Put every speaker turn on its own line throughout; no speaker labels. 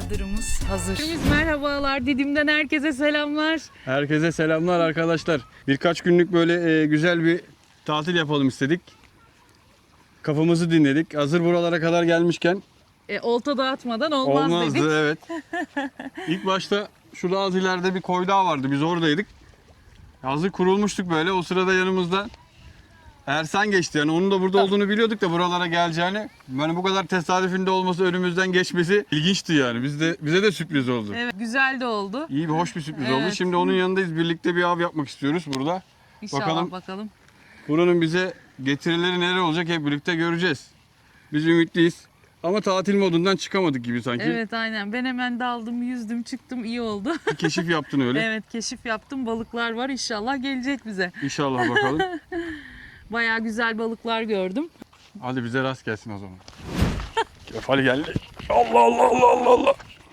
Çadırımız hazır. Merhabalar, Didim'den herkese selamlar.
Herkese selamlar arkadaşlar. Birkaç günlük böyle güzel bir tatil yapalım istedik. Kafamızı dinledik. Hazır buralara kadar gelmişken
Olta dağıtmadan olmaz dedik.
evet. İlk başta şurada az ileride bir koy daha vardı. Biz oradaydık. Hazır kurulmuştuk böyle. O sırada yanımızda Ersan geçti. Yani onun da burada olduğunu biliyorduk da buralara geleceğini. Yani bu kadar tesadüfünde olması, önümüzden geçmesi ilginçti yani. Bize de sürpriz oldu.
Evet, güzel de oldu.
İyi bir hoş bir sürpriz
Evet.
oldu. Şimdi onun yanındayız. Birlikte bir av yapmak istiyoruz burada.
İnşallah bakalım.
Buranın bize getirileri neler olacak hep birlikte göreceğiz. Biz ümitliyiz. Ama tatil modundan çıkamadık gibi sanki.
Evet, aynen. Ben hemen daldım, yüzdüm, çıktım. İyi oldu.
Bir keşif yaptın öyle.
Evet, keşif yaptım. Balıklar var. İnşallah gelecek bize.
İnşallah bakalım.
Bayağı güzel balıklar gördüm.
Hadi bize rast gelsin o zaman. Kefal geldi. Allah Allah Allah Allah Allah.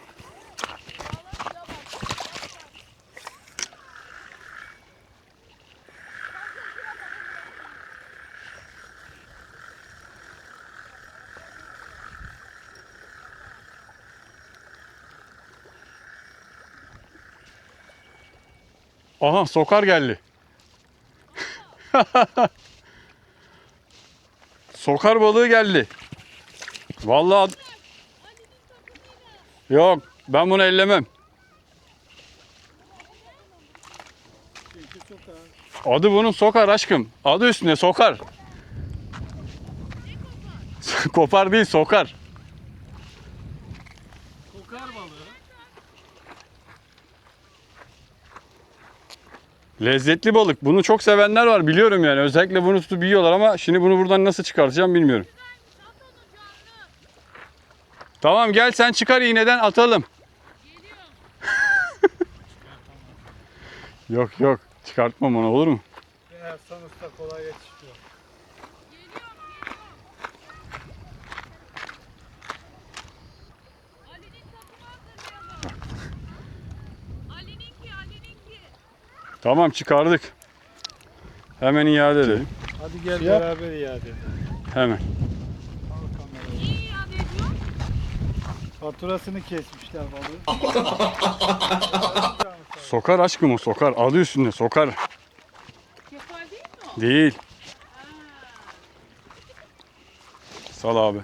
Aha, sokar geldi. Sokar balığı geldi. Vallahi yok, ben bunu ellemem. Adı bunun sokar aşkım. Adı üstünde sokar. Kopar değil, sokar.
Kokar balığı.
Lezzetli balık. Bunu çok sevenler var biliyorum yani. Özellikle bunu tutup yiyorlar ama şimdi bunu buradan nasıl çıkartacağım bilmiyorum. Tamam, gel sen çıkar iğneden atalım. Yok yok, çıkartmam onu, olur mu?
Ersan Usta kolay yetişiyor.
Tamam, çıkardık. Hemen iade edelim.
Hadi gel
Yap.
beraber iade edelim.
Hemen.
Al kamerayı. Faturasını kesmişler balığı.
Sokar aşkım, o sokar. Adı üstünde sokar.
Kefal değil mi o?
Değil. Sal abi.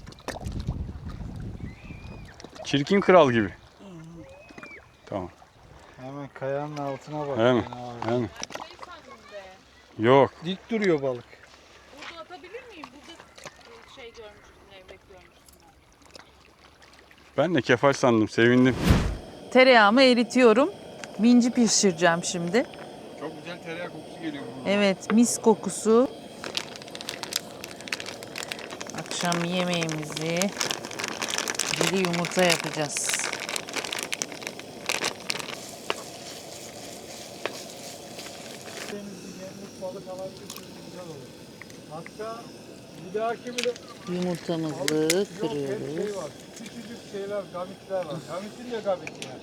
Çirkin kral gibi. Tamam.
Hemen kayanın altına bak.
Hemen.
Yani abi.
Hemen. Yok.
Dik duruyor balık.
Burada atabilir miyim? Burada şey görmüştüm, levrek görmüştüm.
Ben de kefal sandım. Sevindim.
Tereyağımı eritiyorum. Minci pişireceğim şimdi.
Çok güzel tereyağı kokusu geliyor.
Evet, mis kokusu. Akşam yemeğimizi diri yumurta yapacağız.
Denizli gemlik balık havası güzel olur. Hatta bir dahaki bile
Yumurtamızı
balık yok, hep
kırıyoruz.
şey var. Küçücük şeyler, gamitler var. Gamitin de gamiti yani.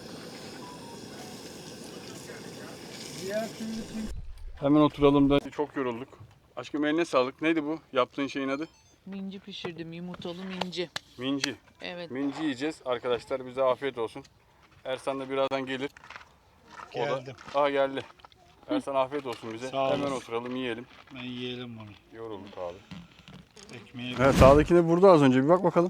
Diğer türlü
Hemen oturalım da çok yorulduk. Aşkım eline sağlık. Neydi bu? Yaptığın şeyin adı?
Minci pişirdim, yumurtalı minci.
Minci.
Evet.
Minci yiyeceğiz arkadaşlar. Bize afiyet olsun. Ersan da birazdan gelir. O da-
geldim.
Geldi. Ersan afiyet olsun bize.
Sağ
Hemen
olasın.
oturalım yiyelim.
Ben yiyelim bunu.
Yorulduk abi.
Ekmeği
Evet, sağdaki de burada az önce. Bir bak bakalım.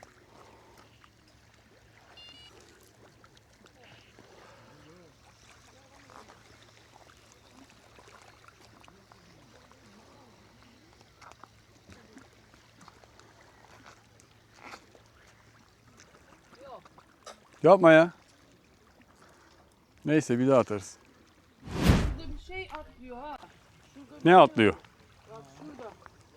Yapma ya. Neyse, bir daha atarız.
Burada bir şey atlıyor ha.
Ne atlıyor?
Bak şurada.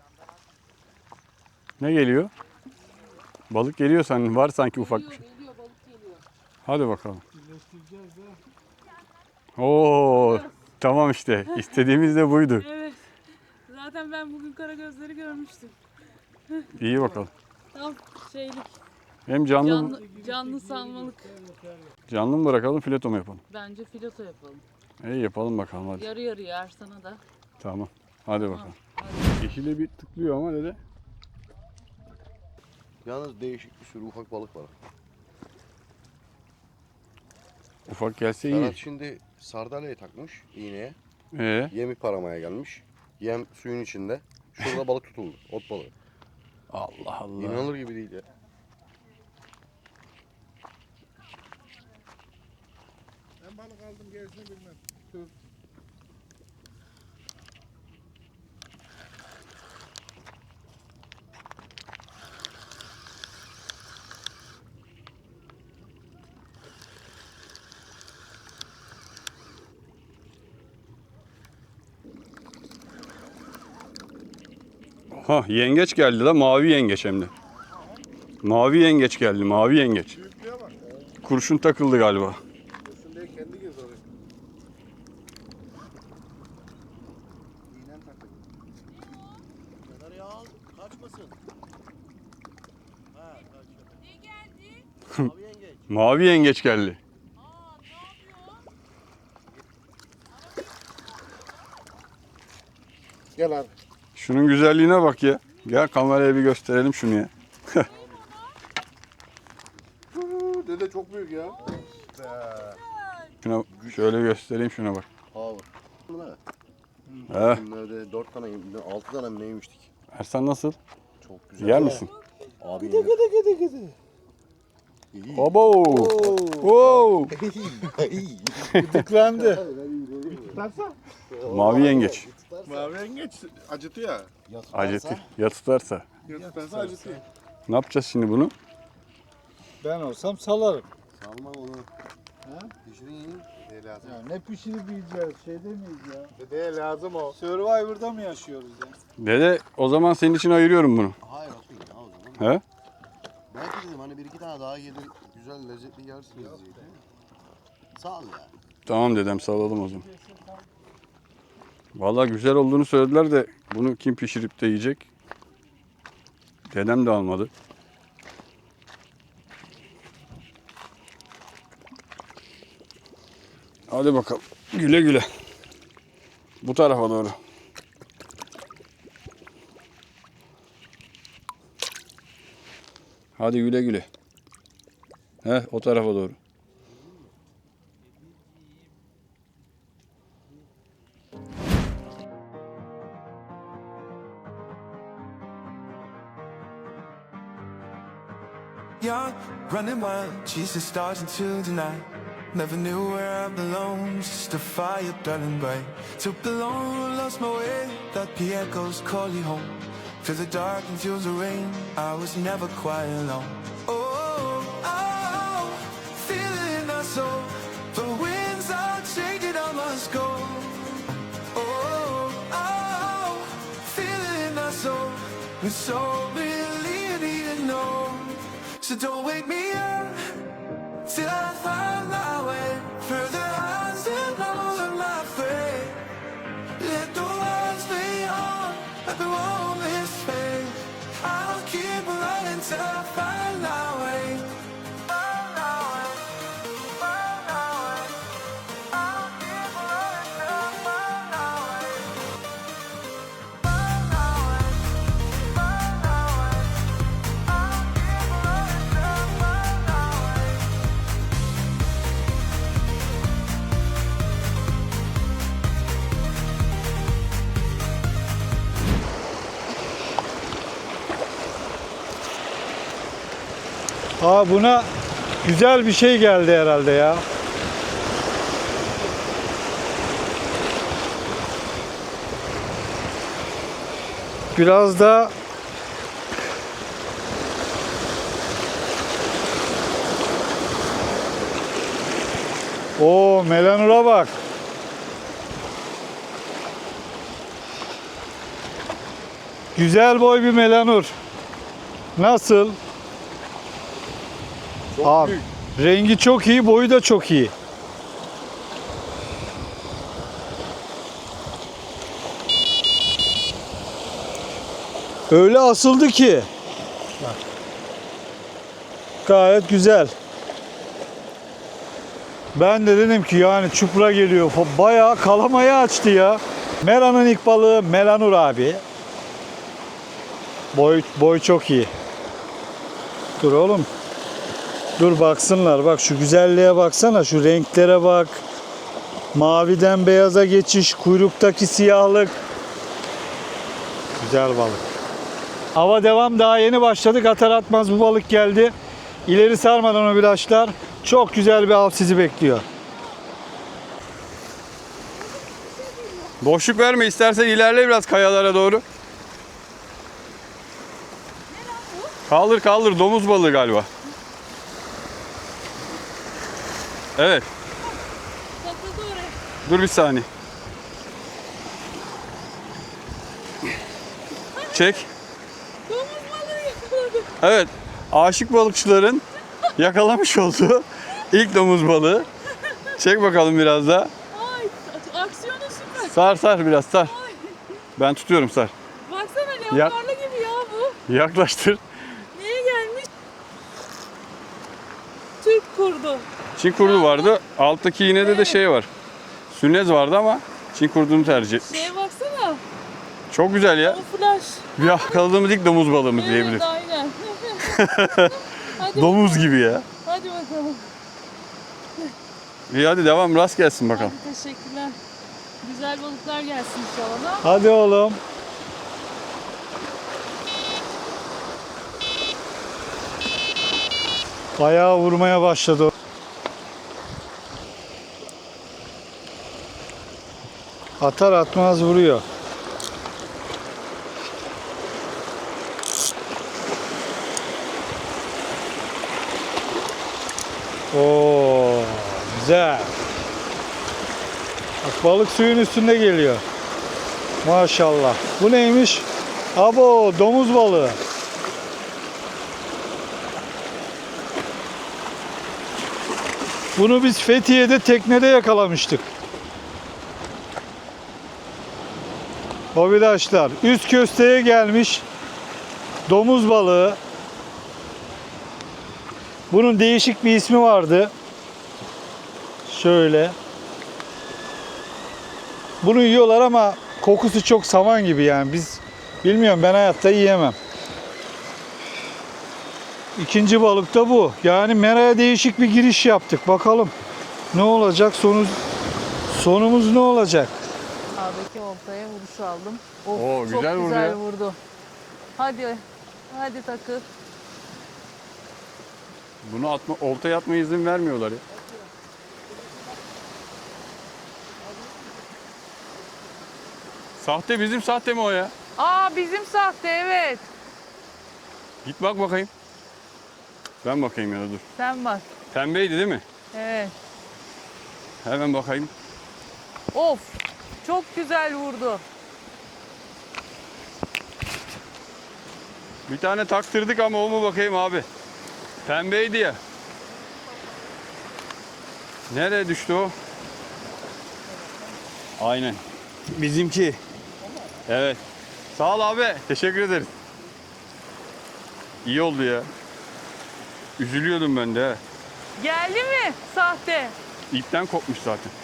Ne geliyor? Balık geliyor sanki. Var sanki ufak bir şey.
Geliyor, balık geliyor.
Hadi bakalım.
birleştireceğiz de.
Oo, tamam işte. İstediğimiz de buydu.
Evet. Zaten ben bugün karagözleri görmüştüm.
İyi bakalım.
Tam şeylik,
Hem
canlı salmalık.
canlı mı bırakalım, fileto mu yapalım?
Bence fileto yapalım.
İyi yapalım bakalım hadi.
Yarı yarıya Ersan'a da.
Tamam. Hadi bakalım.
Hadi.
Yeşile bir tıklıyor ama dede.
Yalnız değişik bir sürü ufak balık var.
Ufak gelse iyi.
Ferhat şimdi sardalyayı takmış iğneye. Yemi paramaya gelmiş. Yem suyun içinde. Şurada balık tutuldu. Ot balığı.
Allah Allah.
İnanılır gibi değil ya.
Ben balık aldım gerisini bilmem. Dur.
Ha, yengeç geldi la, mavi yengeç hem de. Mavi yengeç geldi, mavi yengeç.
Büyüklüğe bak.
Kurşun takıldı galiba.
Dursun diye kendi girdi oraya. İğnen takıldı.
Kenara ya al. Kaçmasın. Ha kaçıyor.
Ne geldi?
Abi yengeç.
Mavi yengeç geldi.
Aa ne yapıyor?
Gel abi.
Şunun güzelliğine bak ya. Gel kameraya bir gösterelim şunu ya.
Dede çok büyük ya.
Şuna şöyle göstereyim, şuna bak.
Abi. Bunlar.
He.
Bunlarda 4 tane, 6 tane mi neymiştik?
Ersan nasıl?
Çok güzel.
Yer misin?
Abi
Gıdı gıdı gıdı gıdı.
İyi.
Obo. Wow.
Gıdıklandı. Tutarsa?
Mavi yengeç.
Mavi yengeç acıtıyor.
Acıtı. Ya tutarsa.
Tutarsa acıtıyor.
Ne yapacağız şimdi bunu?
Ben olsam salarım.
Salma onu.
Ha?
Pişirin yiyin. Ne lazım?
Ya ne pişirip yiyeceğiz? Şeyde miyiz ya? Dedeye lazım o. Survivor'da mı yaşıyoruz ya?
Dede, o zaman senin için ayırıyorum bunu.
Hayır atın ya o zaman.
He?
Belki dedim hani bir iki tane daha gelir. Güzel lezzetli yersiniz diye. Sağ ol ya.
Tamam dedem, salalım o zaman. Vallahi güzel olduğunu söylediler de bunu kim pişirip de yiyecek? Dedem de almadı. Hadi bakalım. Güle güle. Bu tarafa doğru. Hadi güle güle. He, o tarafa doğru.
Young, running wild, chasing stars into the night. Never knew where I belonged, just a fire burning bright. Took the long, lost my way, that the echoes call you home. Through the dark and through the rain, I was never quite alone. Oh, oh, feel it in our soul. The winds are changing, I must go. Oh, oh, feel it in our soul. We're so really need to know. So don't wake me up till I find my way further on and over my fate. Let the words be on, like we won't miss fate. I'll keep running till I find my way. Find my way, find my way. I'll keep running till I find my way. Find my way, find my way. I'll keep running till I find my way.
Aa, buna güzel bir şey geldi herhalde ya. Biraz da o melanura bak. Güzel boy bir melanur. Nasıl? Abi, rengi çok iyi, boyu da çok iyi. Öyle asıldı ki. Bak. Gayet güzel. Ben de dedim ki yani çupra geliyor. Bayağı kalamayı açtı ya. Mera'nın ilk balığı melanur abi. Boy çok iyi. Dur oğlum. Dur baksınlar. Bak şu güzelliğe baksana. Şu renklere bak. Maviden beyaza geçiş. Kuyruktaki siyahlık. Güzel balık. Hava devam. Daha yeni başladık. Atar atmaz bu balık geldi. İleri sarmadan o bilaçlar. Çok güzel bir av sizi bekliyor.
Boşluk verme, istersen ilerle biraz kayalara doğru. Kaldır kaldır, domuz balığı galiba. Evet.
Takıldı oraya.
Dur bir saniye. Çek.
Domuz balığı yakaladı.
Evet. Aşık balıkçıların yakalamış olduğu ilk domuz balığı. Çek bakalım biraz daha.
Ay aksiyonu süper.
Sar sar biraz sar. Ben tutuyorum sar.
Baksana
Ya-
leoparlı gibi ya bu.
Yaklaştır.
Niye gelmiş? Türk kurdu.
Çin kurdu vardı. Alttaki iğnede de şey var. Sünnez vardı ama Çin kurdunu tercih etmiş.
Şeye baksana.
Çok güzel ya.
O flash.
Yakaladığımız ilk domuz balığımız
Evet
diyebiliriz.
aynen. Hadi,
Domuz gibi ya.
hadi bakalım.
İyi hadi devam, rast gelsin bakalım.
Hadi teşekkürler. Güzel balıklar gelsin inşallah.
Hadi oğlum. Ayağı vurmaya başladı. Atar atmaz vuruyor. Oo, güzel. Bak balık suyun üstünde geliyor. Maşallah. Bu neymiş? Abo, domuz balığı. Bunu biz Fethiye'de teknede yakalamıştık. Hobidaşlar, üst kösteye gelmiş domuz balığı. Bunun değişik bir ismi vardı. Şöyle. Bunu yiyorlar ama kokusu çok saman gibi yani. Biz bilmiyorum, ben hayatta yiyemem. İkinci balık da bu. Yani meraya değişik bir giriş yaptık. Bakalım ne olacak, sonumuz ne olacak?
Sağdaki oltaya vuruş aldım. Of,
Oo,
çok
güzel vurdu
güzel
ya.
vurdu. Hadi, hadi takıl.
Bunu atma, oltaya atmaya izin vermiyorlar ya. Sahte, bizim sahte mi o ya?
Aa bizim sahte evet.
Git bak bakayım. Ben bakayım ya da dur.
Sen bak.
Pembeydi değil mi?
Evet.
Hemen bakayım.
Of çok güzel vurdu.
Bir tane taktırdık ama o mu bakayım abi? Pembeydi ya. Nereye düştü o? Aynen. Bizimki. Evet. Sağ ol abi. Teşekkür ederiz. İyi oldu ya. Üzülüyordum ben de. He.
Geldi mi sahte?
İpten kopmuş zaten.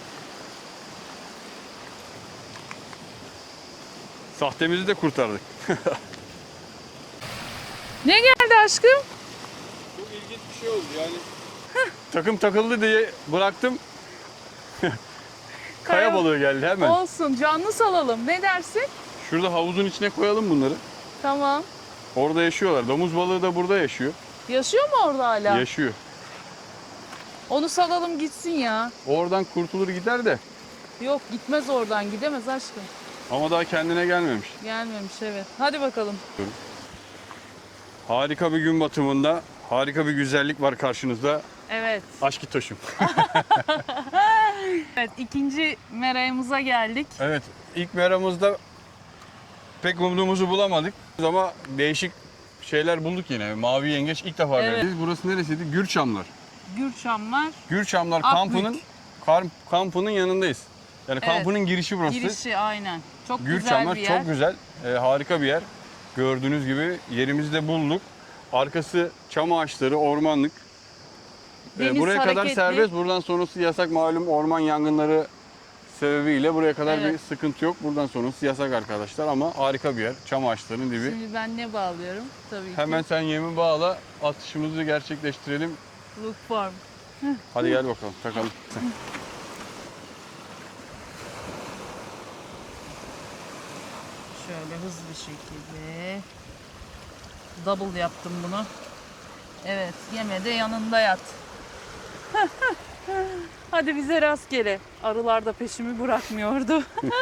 Sahtemizi de kurtardık.
Ne geldi aşkım?
Çok ilginç bir şey oldu yani. Takım takıldı diye bıraktım. Kaya balığı geldi hemen.
Olsun canlı salalım. Ne dersin?
Şurada havuzun içine koyalım bunları.
Tamam.
Orada yaşıyorlar. Domuz balığı da burada yaşıyor.
Yaşıyor mu orada hala?
Yaşıyor.
Onu salalım gitsin ya.
Oradan kurtulur gider de.
Yok gitmez oradan gidemez aşkım.
Ama daha kendine gelmemiş.
Gelmemiş evet. Hadi bakalım.
Harika bir gün batımında harika bir güzellik var karşınızda.
Evet.
Aşk İtoş'um.
Evet ikinci merayımıza geldik.
Evet, ilk meramızda pek umduğumuzu bulamadık ama değişik şeyler bulduk yine. Mavi yengeç ilk defa
Evet.
geldik. Burası neresiydi? Gürçamlar.
Gürçamlar.
Gürçamlar
Akbük.
kampının yanındayız. Yani
Evet.
kampının girişi burası.
Girişi aynen. Çok güzel
Gürçamlar
bir yer.
çok güzel, harika bir yer. Gördüğünüz gibi yerimizi de bulduk. Arkası çam ağaçları, ormanlık.
Deniz
Buraya kadar
hareketli.
serbest. Buradan sonrası yasak, malum orman yangınları sebebiyle buraya kadar bir
Evet.
sıkıntı yok. Buradan sonrası yasak arkadaşlar ama harika bir yer. Çam ağaçlarının dibi.
Şimdi ben ne bağlıyorum? Tabii
Hemen
ki.
sen yemi bağla, atışımızı gerçekleştirelim.
Look Farm.
Hadi gel bakalım, takalım.
Şöyle hızlı bir şekilde double yaptım bunu. Evet, yeme de yanında yat. Hadi bize rastgele. Arılar da peşimi bırakmıyordu.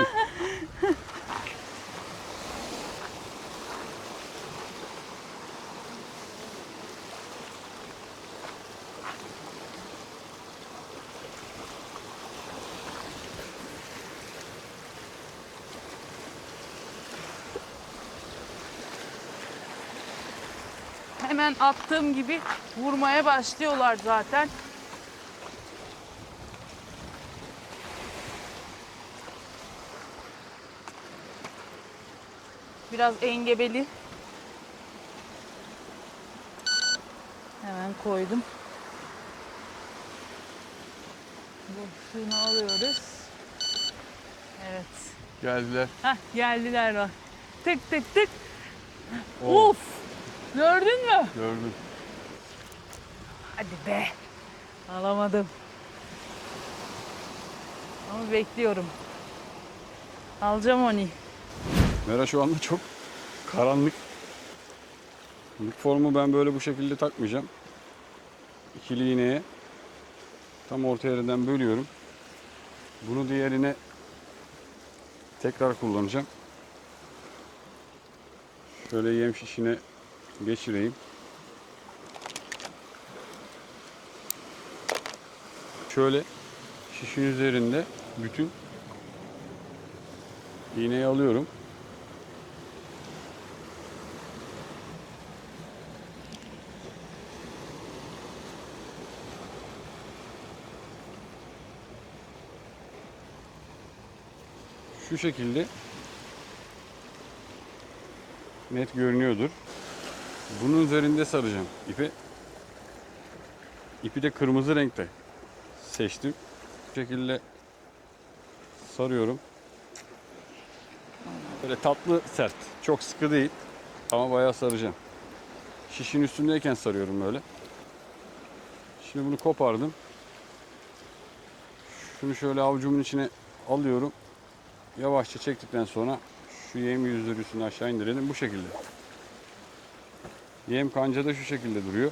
Hemen attığım gibi vurmaya başlıyorlar zaten. Biraz engebeli. Hemen koydum. Bu suyunu alıyoruz. Evet.
Geldiler.
Heh, geldiler bak. Tık tık tık.
Oo.
Of! Gördün mü?
Gördüm.
Hadi be. Alamadım. Ama bekliyorum. Alacağım onu.
Mera şu anda çok karanlık. İlk formu ben böyle bu şekilde takmayacağım. İkili iğneye tam orta yerinden bölüyorum. Bunu diğerine tekrar kullanacağım. Şöyle yem şişine geçireyim. Şöyle şişin üzerinde bütün iğneyi alıyorum. Şu şekilde net görünüyordur. Bunun üzerinde saracağım ipi. İpi de kırmızı renkte seçtim. Bu şekilde sarıyorum. Böyle tatlı sert. Çok sıkı değil. Ama bayağı saracağım. Şişin üstündeyken sarıyorum böyle. Şimdi bunu kopardım. Şunu şöyle avucumun içine alıyorum. Yavaşça çektikten sonra şu yem yüzleri aşağı indirelim. Bu şekilde. Yem kancada şu şekilde duruyor.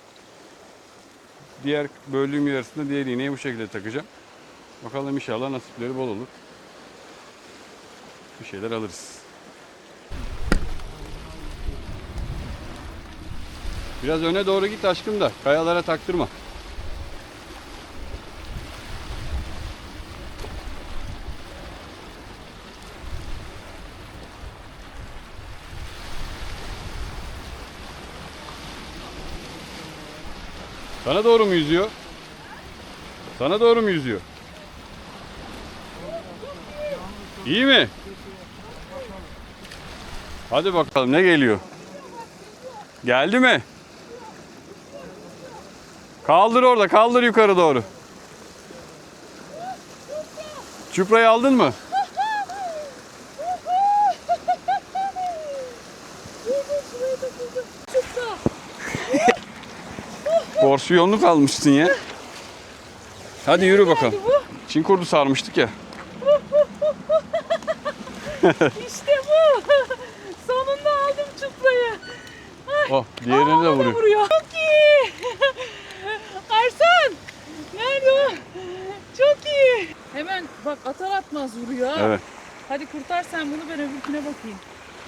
Diğer böldüğüm yarısında diğer iğneyi bu şekilde takacağım. Bakalım inşallah nasipleri bol olur. Bir şeyler alırız. Biraz öne doğru git aşkım da kayalara taktırma. Sana doğru mu yüzüyor? Sana doğru mu yüzüyor? İyi mi? Hadi bakalım ne geliyor? Geldi mi? Kaldır orada, kaldır yukarı doğru. Çuprayı aldın mı? Porsiyonluk almışsın ya. Hadi yürü bakalım. Çin kurdu sarmıştık ya.
İşte bu. Sonunda aldım çuprayı.
Oh, diğerini de vuruyor.
Çok iyi. Arslan. Nerede o? Çok iyi. Hemen bak atar atmaz vuruyor. Ha.
Evet.
Hadi kurtar sen bunu, ben öbürküne bakayım.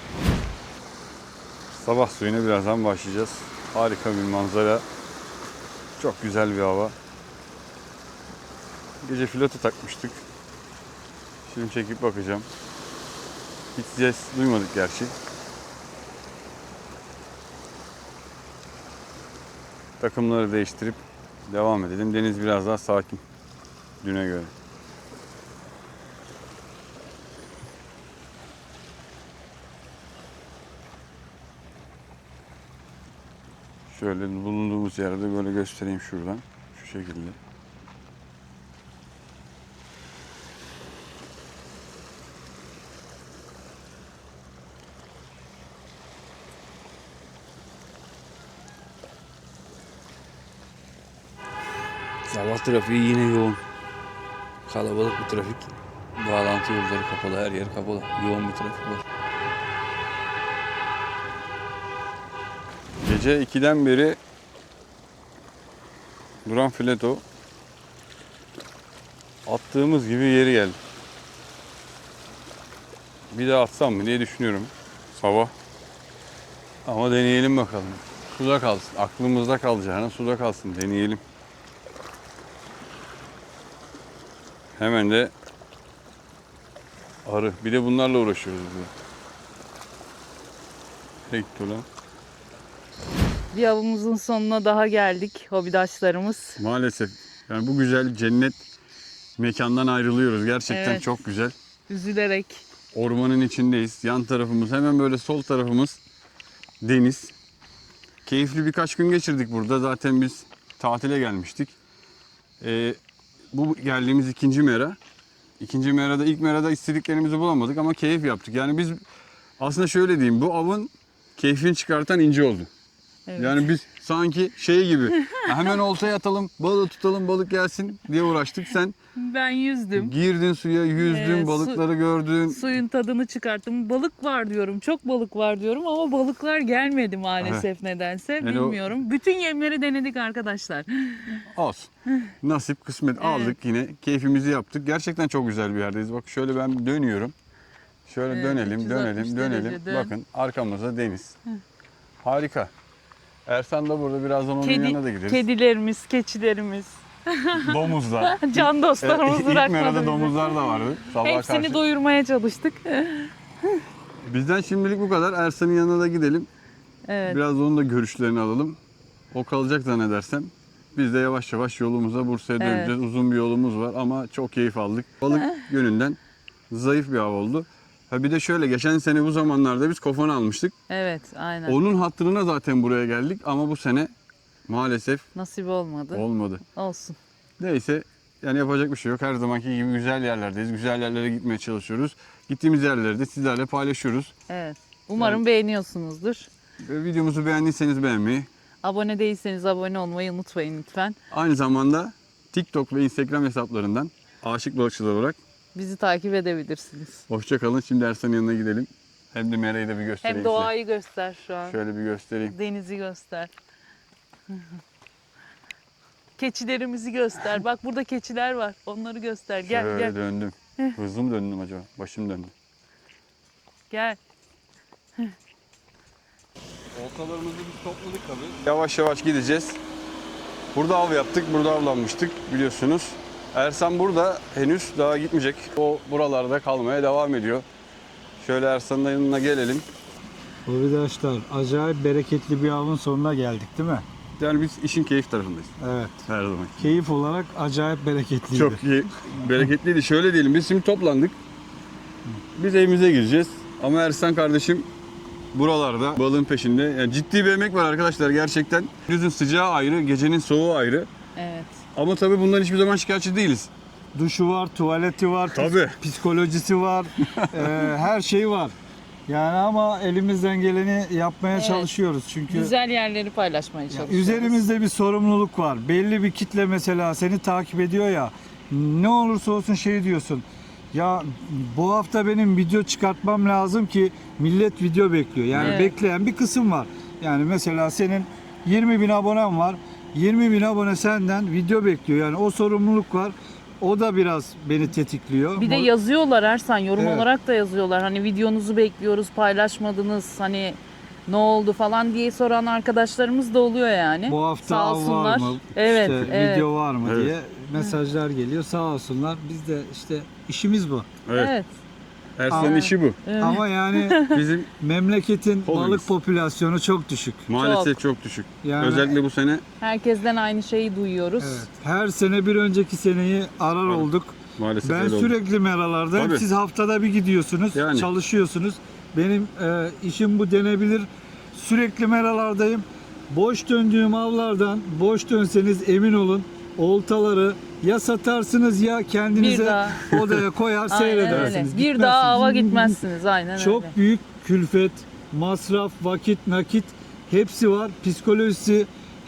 Sabah suyuna birazdan başlayacağız. Harika bir manzara. Çok güzel bir hava. Gece filoto takmıştık. Şimdi çekip bakacağım. Hiç ses duymadık gerçi. Takımları değiştirip devam edelim. Deniz biraz daha sakin düne göre. Şöyle bulunduğumuz yerde böyle göstereyim şuradan. Şu şekilde. Sabah trafiği yine yoğun. Kalabalık bir trafik. Bağlantı yolları kapalı, her yer kapalı. Yoğun bir trafik var. Gece 2'den beri duran fileto attığımız gibi yeri geldi. Bir daha atsam mı diye düşünüyorum sabah. Ama deneyelim bakalım. Suda kalsın. Aklımızda kalacağına suda kalsın. Deneyelim. Hemen de arı. Bir de bunlarla uğraşıyoruz burada. Nereye gitti ulan?
Bir avımızın sonuna daha geldik hobidaşlarımız.
Maalesef. Yani bu güzel cennet mekandan ayrılıyoruz. Gerçekten
Evet.
çok güzel.
Üzülerek.
Ormanın içindeyiz. Yan tarafımız, hemen böyle sol tarafımız deniz. Keyifli birkaç gün geçirdik burada. Zaten biz tatile gelmiştik. Bu geldiğimiz ikinci mera. İkinci merada, ilk merada istediklerimizi bulamadık ama keyif yaptık. Yani biz aslında şöyle diyeyim, bu avın keyfini çıkartan İnci oldu.
Evet.
Yani biz sanki şey gibi hemen oltaya atalım, balığı tutalım, balık gelsin diye uğraştık. Sen
Ben yüzdüm.
girdin suya, yüzdün, balıkları gördün.
Suyun tadını çıkarttım. Balık var diyorum, çok balık var diyorum ama balıklar gelmedi maalesef nedense.
Yani
bilmiyorum. Bütün yemleri denedik arkadaşlar.
Olsun. Nasip, kısmet aldık yine. Keyfimizi yaptık. Gerçekten çok güzel bir yerdeyiz. Bak şöyle ben dönüyorum. Şöyle
Evet,
dönelim,
360
dönelim, dönelim.
derece dön.
Bakın arkamızda deniz. Harika. Ersan da burada, birazdan onun yanına da gideriz.
Kedilerimiz, keçilerimiz,
Domuzlar.
can dostlarımız
İlk
bırakmadı
merada
bizi.
domuzlar da vardı. Sabaha
Hepsini
karşı.
doyurmaya çalıştık.
Bizden şimdilik bu kadar. Ersan'ın yanına da gidelim.
Evet.
Biraz onun da görüşlerini alalım. O kalacak zannedersem. Biz de yavaş yavaş yolumuza Bursa'ya döneceğiz. Uzun bir yolumuz var ama çok keyif aldık. Balık yönünden zayıf bir av oldu. Ha bir de şöyle, geçen sene bu zamanlarda biz kofan almıştık.
Evet, aynen.
Onun hatırına zaten buraya geldik ama bu sene maalesef
Nasip olmadı.
olmadı.
Olsun.
Neyse, yani yapacak bir şey yok. Her zamanki gibi güzel yerlerdeyiz. Güzel yerlere gitmeye çalışıyoruz. Gittiğimiz yerleri de sizlerle paylaşıyoruz.
Evet. Umarım beğeniyorsunuzdur.
Videomuzu beğendiyseniz beğenmeyi,
Abone değilseniz abone olmayı unutmayın lütfen.
aynı zamanda TikTok ve Instagram hesaplarından Aşık Balıkçılar olarak
Bizi takip edebilirsiniz.
hoşça kalın. Şimdi Ersan'ın yanına gidelim. Hem de Mera'yı da bir göstereyim
Hem
size.
doğayı göster şu an.
Şöyle bir göstereyim.
Denizi göster. Keçilerimizi göster. Bak burada keçiler var. Onları göster. Gel
Şöyle
gel.
döndüm. Hızlı mı döndüm acaba? Başım döndü.
Gel.
Oltalarımızı biz topladık tabii. Yavaş yavaş gideceğiz. Burada av yaptık, burada avlanmıştık biliyorsunuz. Ersan burada henüz daha gitmeyecek. O buralarda kalmaya devam ediyor. Şöyle Ersan'ın yanına gelelim.
Arkadaşlar acayip bereketli bir avın sonuna geldik değil mi?
Yani biz işin keyif tarafındayız.
Evet.
Her zaman.
Keyif olarak acayip bereketliydi.
Çok iyi. Bereketliydi. Şöyle diyelim, biz şimdi toplandık. Biz evimize gideceğiz. Ama Ersan kardeşim buralarda balığın peşinde. Yani ciddi bir emek var arkadaşlar gerçekten. Gündüzün sıcağı ayrı, gecenin soğuğu ayrı.
Evet.
Ama tabii bundan hiçbir zaman şikayetçi değiliz.
Duşu var, tuvaleti var,
Tabii.
psikolojisi var, her şeyi var. Yani ama elimizden geleni yapmaya
Evet.
çalışıyoruz çünkü
Güzel yerleri paylaşmaya çalışıyoruz.
üzerimizde bir sorumluluk var. Belli bir kitle mesela seni takip ediyor ya, ne olursa olsun şey diyorsun. Ya bu hafta benim video çıkartmam lazım ki millet video bekliyor. Yani
Evet.
bekleyen bir kısım var. Yani mesela senin 20 bin abonen var. 20 bin abone senden video bekliyor. Yani o sorumluluk var. O da biraz beni tetikliyor.
Bir de yazıyorlar Ersan, yorum
Evet.
olarak da yazıyorlar. Hani videonuzu bekliyoruz, paylaşmadınız. Hani ne oldu falan diye soran arkadaşlarımız da oluyor yani.
Bu hafta
Sağ
av
olsunlar.
var mı?
Evet,
İşte
evet.
video var mı
Evet.
diye mesajlar geliyor. Sağ olsunlar. Biz de işte işimiz bu.
Evet.
Evet.
Ersan'ın
Ama-
işi bu.
Evet.
Ama yani
Bizim
memleketin
Hobimiz.
balık popülasyonu çok düşük.
maalesef çok düşük.
Yani-
Özellikle bu sene
Herkesten aynı şeyi duyuyoruz.
Evet. Her sene bir önceki seneyi arar
Evet.
olduk.
maalesef
Ben
öyle oldu.
sürekli meralardayım.
Tabii.
Siz haftada bir gidiyorsunuz,
Yani.
çalışıyorsunuz. Benim işim bu denebilir. Sürekli meralardayım. Boş döndüğüm avlardan boş dönseniz emin olun oltaları ya satarsınız ya
Bir
kendinize
daha.
odaya koyar
Aynen
seyredersiniz.
öyle. Bir daha
Gitmezsiniz.
ava gitmezsiniz. Aynen
Çok
öyle.
büyük külfet, masraf, vakit, nakit hepsi var. Psikolojisi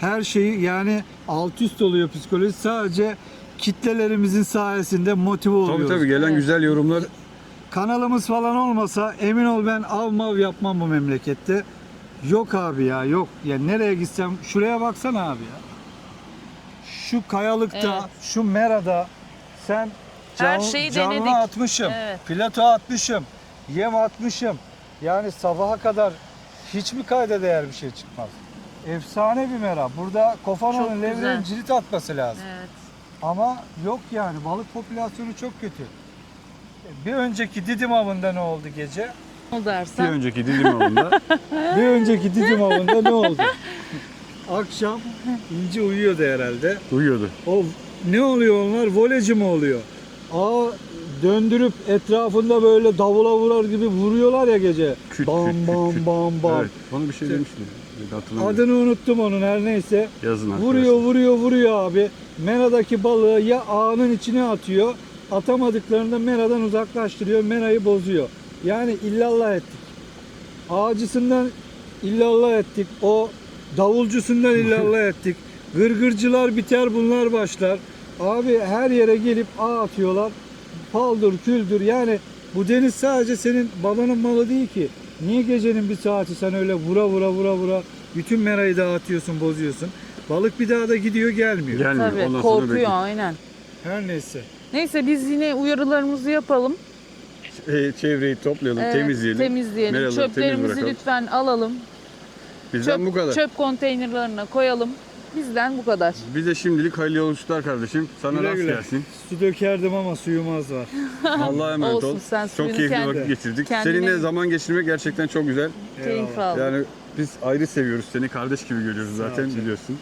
her şeyi yani alt üst oluyor psikoloji. Sadece kitlelerimizin sayesinde motive oluyoruz.
Tabii gelen
Evet.
güzel yorumlar.
Kanalımız falan olmasa emin ol ben av mav yapmam bu memlekette. Yok abi ya, yok. Ya nereye gitsem şuraya baksana abi ya. Şu kayalıkta,
Evet.
şu merada sen
Her şeyi
canlı
denedik.
atmışım,
Evet.
plato atmışım, yem atmışım. Yani sabaha kadar hiç mi kayda değer bir şey çıkmaz? Efsane bir mera. Burada
Çok
Kofana'nın
güzel.
levrenin cirit atması lazım.
Evet.
Ama yok yani balık popülasyonu çok kötü. Bir önceki Didim avında ne oldu gece?
O
Bir
dersen.
önceki Didim avında
Bir önceki Didim avında ne oldu? Akşam İnci uyuyordu herhalde.
uyuyordu.
O ne oluyor onlar? Voleci mi oluyor? Ağı döndürüp etrafında böyle davula vurar gibi vuruyorlar ya gece.
Küt,
bam
küt, küt,
bam
küt.
bam bam.
Evet, bana bir şey demiştin. Hatırlamıyorum.
Adını unuttum onun her neyse.
Yazın
Vuruyor abi. Mera'daki balığı ya ağının içine atıyor. Atamadıklarında meradan uzaklaştırıyor. Merayı bozuyor. Yani illallah ettik. Ağacısından illallah ettik. O davulcusundan illallah ettik. Gırgırcılar biter bunlar başlar. Abi her yere gelip ağ atıyorlar. Paldır küldür yani bu deniz sadece senin babanın malı değil ki. Niye gecenin bir saati sen öyle vura bütün merayı dağıtıyorsun, bozuyorsun. Balık bir daha da gidiyor gelmiyor.
Gelmiyor.
Tabii
Ondan sonra
korkuyor
bekliyor.
aynen.
Her neyse.
Neyse biz yine uyarılarımızı yapalım.
Çevreyi toplayalım,
Evet,
temizleyelim.
temizleyelim.
Meraları temiz
Çöplerimizi
bırakalım.
lütfen alalım.
Bizden bu kadar.
Çöp konteynerlarına koyalım. Bizden bu kadar.
Bize şimdilik hayırlı yolculuklar kardeşim. Sana
Güle
rast
güle.
gelsin.
Su dökerdim ama suyum az var.
Allah'a emanet
Olsun,
ol.
sen
Çok
suyunu
keyifli
kendi-
vakit geçirdik.
kendine-
Seninle zaman geçirmek gerçekten çok güzel.
Keyif al.
Yani biz ayrı seviyoruz seni. Kardeş gibi görüyoruz zaten
ol canım.
biliyorsun.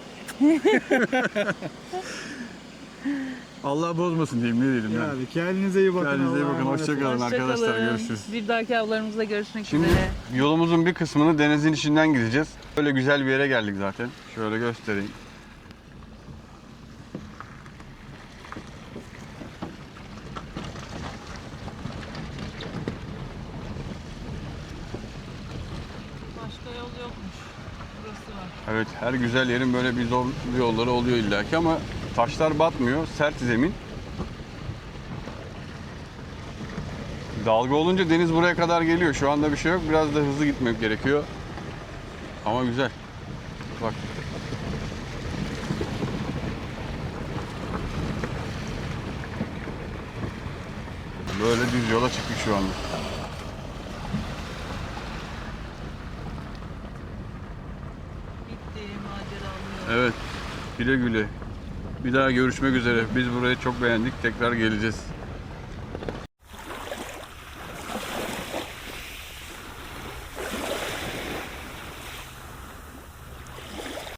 Allah bozmasın diyeyim ne diyelim yani.
Yani kendinize iyi bakın.
Kendinize iyi
Allah'a
bakın.
emanet
Hoşça
olun.
kalın arkadaşlar.
Hoşçakalın.
Görüşürüz.
Bir dahaki avlarımızda görüşmek
Şimdi
üzere.
yolumuzun bir kısmını denizin içinden gideceğiz. Böyle güzel bir yere geldik zaten. Şöyle göstereyim.
Başka yol yokmuş. Burası var.
Evet, her güzel yerin böyle bir zor yolları oluyor illaki ama taşlar batmıyor, sert zemin. Dalga olunca deniz buraya kadar geliyor. Şu anda bir şey yok. Biraz da hızlı gitmek gerekiyor. Ama güzel. Bak. Böyle düz yola çıktık şu anda.
Bitti maceralı yol.
Evet. Güle güle. Bir daha görüşmek üzere. Biz burayı çok beğendik. Tekrar geleceğiz.